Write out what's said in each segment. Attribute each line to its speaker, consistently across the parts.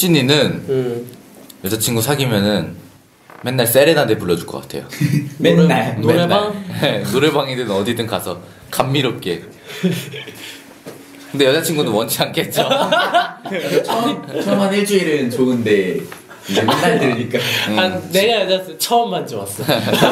Speaker 1: 혁진이는 여자친구 사귀면은 맨날 세레나데 불러줄 것 같아요.
Speaker 2: 맨날
Speaker 3: 노래방?
Speaker 1: 네, 노래방이든 어디든 가서 감미롭게. 근데 여자친구는 원치 않겠죠.
Speaker 2: 처음 한 일주일은 좋은데 이제 맨날 들으니까
Speaker 3: 내가 여자친구 처음만 좋았어.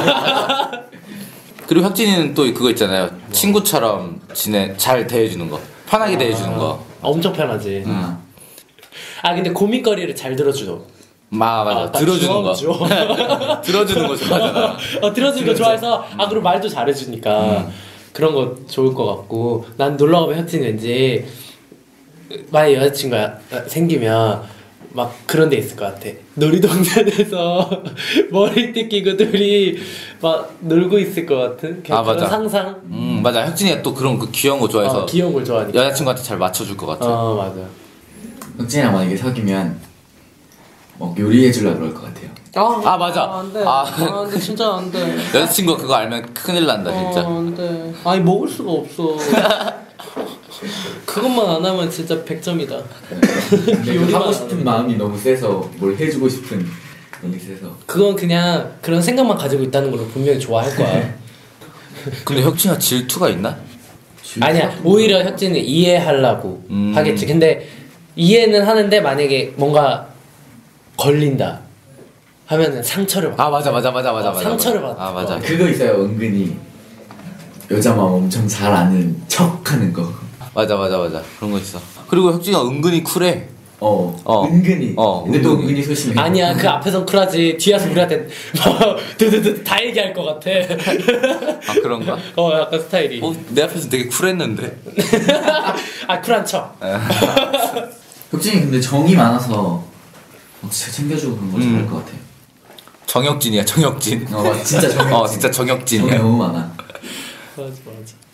Speaker 1: 그리고 혁진이는 또 그거 있잖아요. 친구처럼 잘 대해주는 거, 편하게 대해주는 거.
Speaker 3: 엄청 편하지. 근데 고민거리를 잘 들어주죠.
Speaker 1: 맞아. 들어주는 거. 들어주는 거 좋아하잖아.
Speaker 3: 들어주는 거 좋아해서 그리고 말도 잘해주니까 그런 거 좋을 것 같고. 난 놀러 가면 혁진이 왠지 만약 여자친구가 생기면 막 그런 데 있을 것 같아. 놀이동산에서 머리띠 끼고 둘이 막 놀고 있을 것 같은 그런
Speaker 1: 맞아.
Speaker 3: 상상.
Speaker 1: 맞아. 혁진이가 또 그런 그 귀여운 거 좋아해서
Speaker 3: 귀여운 걸 좋아하니까
Speaker 1: 여자친구한테 잘 맞춰줄 것 같아.
Speaker 3: 맞아.
Speaker 2: 혁진이랑 만약에 사귀면 요리해주려고 그럴 것 같아요.
Speaker 1: 맞아.
Speaker 3: 안 돼. 근데 진짜 안 돼.
Speaker 1: 여자친구가 그거 알면 큰일 난다 진짜.
Speaker 3: 안 돼. 먹을 수가 없어. 그것만 안 하면 진짜 100점이다.
Speaker 2: 근데 하고 싶은 마음이 너무 세서 뭘 해주고 싶은 마음이 세서.
Speaker 3: 그건 그냥 그런 생각만 가지고 있다는 걸로 분명히 좋아할 거야.
Speaker 1: 근데 혁진이가 질투가 있나?
Speaker 3: 아니야. 오히려 혁진은 이해하려고 하겠지. 근데 이해는 하는데 만약에 뭔가 걸린다 하면은 상처를 받아.
Speaker 1: 맞아.
Speaker 3: 상처를 받아.
Speaker 1: 맞아.
Speaker 2: 그거 있어요. 은근히 여자 마음 엄청 잘 아는 척하는 거.
Speaker 1: 맞아. 그런 거 있어. 그리고 혁진이가 은근히 쿨해.
Speaker 2: 은근히. 근데 또 은근히 소심해.
Speaker 3: 아니야, 그 앞에선 쿨하지. 뒤에서 우리한테 드드드 다 얘기할 것 같아.
Speaker 1: 그런가?
Speaker 3: 약간 스타일이.
Speaker 1: 내 앞에서 되게 쿨했는데.
Speaker 3: 쿨한 척.
Speaker 2: 혁진이 근데 정이 많아서 진짜 챙겨주고 그런 거 잘할 것 같아.
Speaker 1: 정혁진이야, 정혁진.
Speaker 2: 진짜 정혁진.
Speaker 1: 진짜 정혁진이야.
Speaker 2: 정이 너무 많아.
Speaker 3: 맞아.